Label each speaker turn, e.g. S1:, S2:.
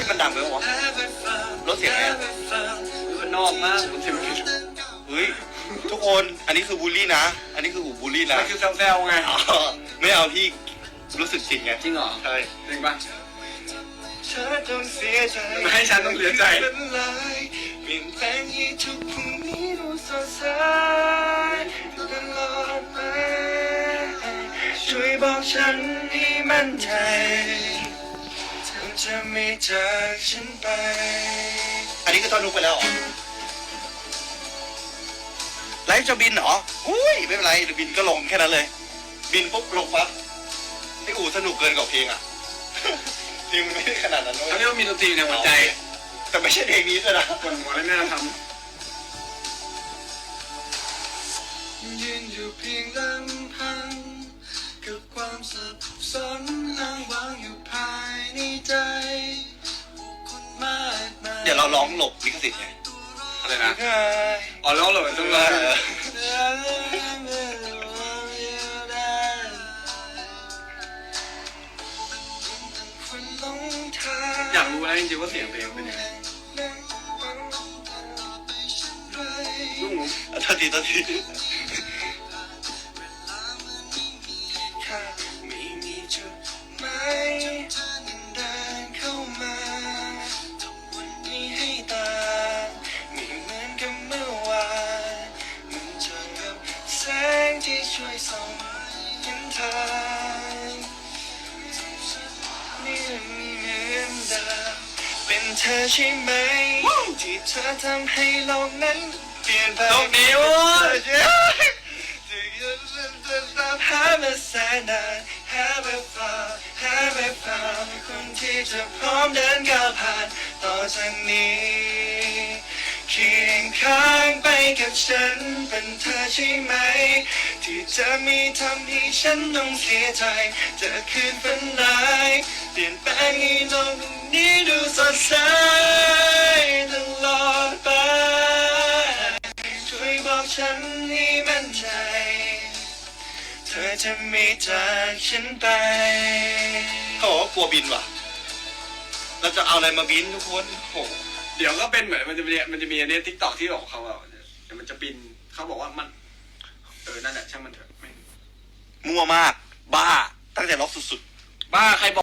S1: ยมันดังไปวะลดเสียงไง
S2: มันนอกมากผมเสียง
S1: เฮ้ยทุกคนอันนี้คือบูลลี่นะอันนี้คือหูบูลลี่นะ
S2: มันคือแซวๆไง
S1: ไม่เอาที่รู้สึกจริงไง
S2: จริงเหรอ
S1: ใช่
S2: จริงปะ
S1: ไม่
S2: ให้ฉันต้องเสียใจ
S1: เปลี่ยนแปลงให้ทุกพรุ่งนี้ดูสดใสตลอดไปช่วยบอกฉันให้มั่นใจเธอจะไม่จากฉันไปอันนี้คือท่อนฮุกไปแล้วเหรอไลฟ์จะบินเหรออุ้ยไม่เป็นไรเดี๋ยวบินก็ลงแค่นั้นเลยบินปุ๊บลงปั๊บไอ้อู๋สนุกเกินกว่าเพลงอ่ะเพลงมันไม่ได้ขนาดนั้นเลย
S2: เขาเรียกว่ามีดนตรีในหัวใจ
S1: แต่ไม่ใช่เพลงนี้เลยนะ
S2: คนหัวและหน้าทำ
S1: ยืนอยู่เพียงลำพังกับความสับสนอ้างว้างอยู่ภายในใจเดี๋ยวเราร้องหลบลิขสิทธิ์ไง
S2: อะไรนะอ๋อร้องหลบจังเลยอยากรู้นะจริงๆว่าเสียงเพลงเป็นยังไงลูกหมู
S1: ทันทีไม่มีจุดหมายเดินเข้ามาวันนี้ให้ตาไม่เหมือนกับเมื่อวานมันจะกับแสงที่ช่วยส่องเห็นทางนี่เหมือนเดิมเป็นเธอใช่ไหมที่เธอทำให้โลกนั้นเปลี่ยนไป
S2: โลกนี้วะ
S1: หามาแสนนานหาแบบฟ้าคนที่จะพร้อมเดินก้าวผ่านต่อจากนี้เคียงข้างไปกับฉันเป็นเธอใช่ไหมที่จะมีทำให้ฉันต้องเสียใจจะคืนฝันร้ายเปลี่ยนแปลงให้โลกนี้ดูสดใสตลอดไปช่วยบอกฉันให้มั่นใจเธอจะไม่จากฉันไปเขาบอกว่ากลัวบินว่ะเราจะเอาอะไรมาบินทุกคนโห
S2: เดี๋ยวก็เป็นเหมือนมันจะมีอันนี้ทิกตอกที่บอกเขาว่าเดี๋ยวมันจะบินเขาบอกว่ามันนั่นแหละช่างมันเถอะ
S1: มั่วมากบ้าตั้งแต่ล็อกสุดๆ
S2: บ้าใครบอก